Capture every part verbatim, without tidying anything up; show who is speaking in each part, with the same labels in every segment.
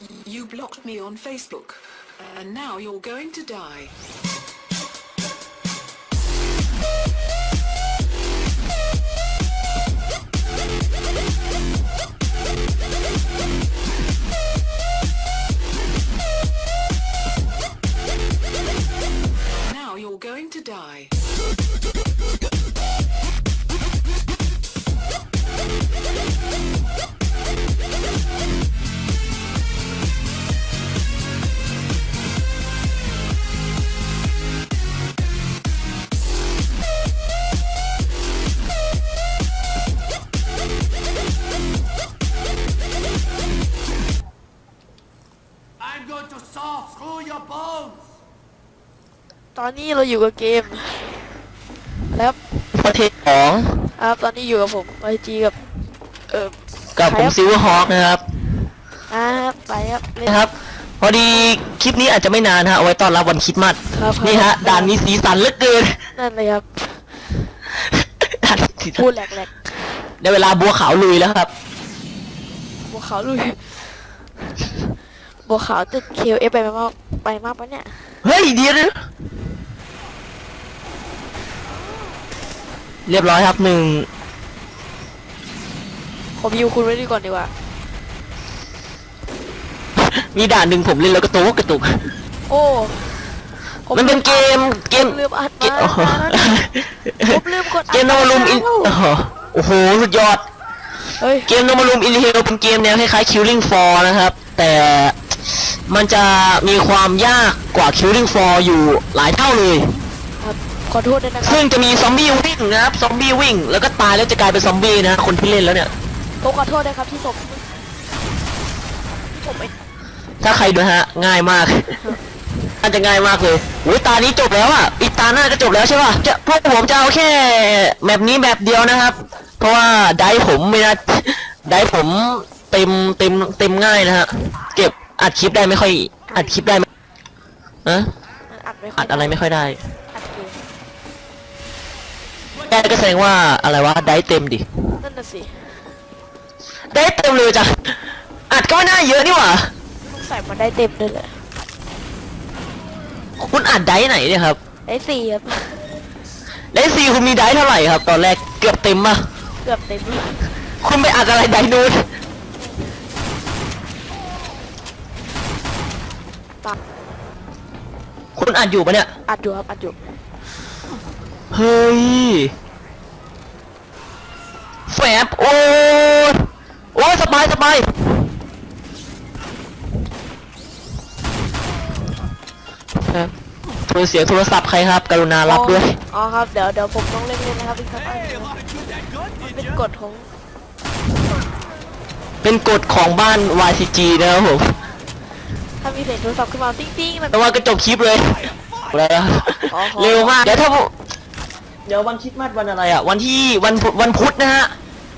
Speaker 1: You blocked me on Facebook, and now you're going to die. Now you're going to die.
Speaker 2: I'm going to saw through your bones.
Speaker 3: ตอนนี้เราอยู่กับเกมแล้ว
Speaker 4: ประเทศของ
Speaker 3: ครับตอนนี้อยู่กับผมไอจีกับเออ
Speaker 4: กับผมซิลเวอร์ฮอคนะครับ
Speaker 3: อ่าครับไปครับเล่น
Speaker 4: นะครับ พอดีคลิปนี้อาจจะไม่นานฮะเอาไว้ต้อนรับวันคริสต์มาส
Speaker 3: ครับ
Speaker 4: นี่ฮะด่านมีสีสันเหลือเกิน
Speaker 3: นั่นเลยครับ
Speaker 4: ด่านมีสีสั
Speaker 3: พูด
Speaker 4: น
Speaker 3: แหลก
Speaker 4: ได้เวลาบัวขาวลุยแล้วครับ
Speaker 3: ๆบัวขาวลุยบัวขาวติดเคลเอฟไปมากไปมากปะเนี่ย
Speaker 4: เฮ้ยเดียวนะเรียบร้อยครับหนึ่ง
Speaker 3: ผมยูคุณไว้ดีก่อนดีกว่า
Speaker 4: มีด่านหนึ่งผมเล่นแล้วกระตุกกระตุก
Speaker 3: โอ้ผ
Speaker 4: มันเป็นเกมเกม
Speaker 3: ผมลืมอัด
Speaker 4: เก
Speaker 3: มาม
Speaker 4: โอ้โห
Speaker 3: ผมลืมกดอัด
Speaker 4: เกมโนมารุมอินโอ้โหสุดยอด
Speaker 3: เฮ้ย
Speaker 4: เกมโนมารุมอินเฮลเป็นเกมแนวคล้ายๆ Killing Floor นะครับ แต่มันจะมีความยากกว่า Killing Floor อยู่หลายเท่าเลย
Speaker 3: ครับขอโทษด้วยนะครับ
Speaker 4: ซึ่งจะมีซอมบี้วิ่งนะครับซอมบี้วิ่งแล้วก็ตายแล้วจะกลายเป็นซอมบี้นะคนที่เล่นแล้วเนี่ย
Speaker 3: ผมขอโทษนะครับที่ผมผมไป
Speaker 4: ถ้าใครดูฮะง่ายมากน่าจะง่ายมากเลยโอ้ยตานี้จบแล้วอ่ะอีกตาหน้าก็จบแล้วใช่ป่ะจะพวกผมจะเอาแค่แบบนี้แบบเดียวนะครับ เพราะว่าไดฟ์ผมไม่นะไดฟ์ผมเต็มเต็มเต็มง่ายนะฮะเก็บอัดคลิปได้ไม่ค่อยอัดคลิปได้ไหมฮะ
Speaker 3: มันอัดไม่ค่
Speaker 4: อั
Speaker 3: อย
Speaker 4: ดอะไรไม่ค่อยได้
Speaker 3: อัดเกม
Speaker 4: ได้ก็แสดงว่าอะไรวะได้เต็มดิ
Speaker 3: นั่นน่ะสิ
Speaker 4: ได้เต็มเลยจ้ะอัดก็ไม่น่าเยอะนี่หว่า
Speaker 3: ต้องใส่มาได้เต็มเลยแหละ
Speaker 4: คุณอัดได้ไหนเนี่ยครับ
Speaker 3: ได้สี่ครับ
Speaker 4: ได้ซีคุณมีได้เท่าไหร่ครับ ตอนแรกเกือบเต็มป่ะ
Speaker 3: เกือบเต็มเลย
Speaker 4: คุณไปอัดอะไรได้นู้น
Speaker 3: ตัด
Speaker 4: คุณอัดอยู่ปะเนี่ย
Speaker 3: อัดอยู่ครับอัดอยู่
Speaker 4: เฮ้ยแฝบโอ้ยโอ้ยสบายสบายแฝบโทรเสียงโทรศัพท์ใครครับ กรุณารับด้วย
Speaker 3: อ๋อครับเดี๋ยวเดี๋ยวผมต้องเล่นเล่นนะครับอีกสักอัน
Speaker 2: Hey, a lot of good that good,
Speaker 3: มัน
Speaker 2: did
Speaker 3: เป็น
Speaker 2: ya?
Speaker 3: กฎของ
Speaker 4: เป็นกฎของบ้าน วาย ซี จี นะครับผม
Speaker 3: ถ้ามีเสียงโทรศัพท์ขึ้นมาติ๊งติ๊งๆมัน
Speaker 4: แต่ว่าก็จบคลิปเลยอะไรอะ
Speaker 3: อ๋อ
Speaker 4: เร็วมาก เดี๋ยวถ้าผมเดี๋ยววันคริสต์มาสวันอะไรอ่ะ วันที่วันพุธวันพุธนะฮะ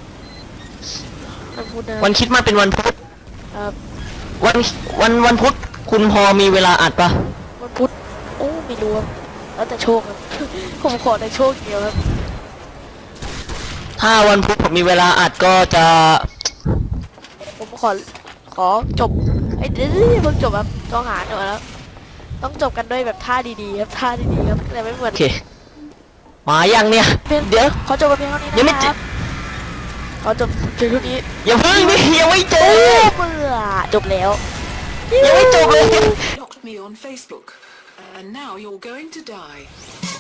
Speaker 3: มันพูดนะ
Speaker 4: วันคริสต์มาสเป็นวันพุธ
Speaker 3: ครับ
Speaker 4: วันวันวันพุธคุณพอมีเวลาอัดปะ
Speaker 3: วันพุธโอ้ไม่รู้ครับแล้วแต่โชคครับ ผมขอแต่โชคเดียวครับ
Speaker 4: ถ้าวันพุธผมมีเวลาอัดก็จะ
Speaker 3: ผมขอขอจบไอ้ยเดี๋ยวเพิ่งจบครับต้องหาหน่อยแล้วต้องจบกันด้วยแบบท่าดีๆครับท่าดีๆครับแต่ไม่เหมือน
Speaker 4: โอเค มายังเนี่ย
Speaker 3: เพียง
Speaker 4: เดี๋ยว
Speaker 3: ขอจบกันเพียงเท่านี้
Speaker 4: ยังไม่
Speaker 3: นะค
Speaker 4: จ
Speaker 3: รั
Speaker 4: บบ
Speaker 3: ขอจบเพียงเท่านี้
Speaker 4: อย่าเพิ่งดิยังไม่จ
Speaker 3: โอ้
Speaker 4: บ
Speaker 3: เบื่อจบแล้ว
Speaker 4: ยังไม่จบเลย
Speaker 1: Blocked me on Facebook, and now you're going to die.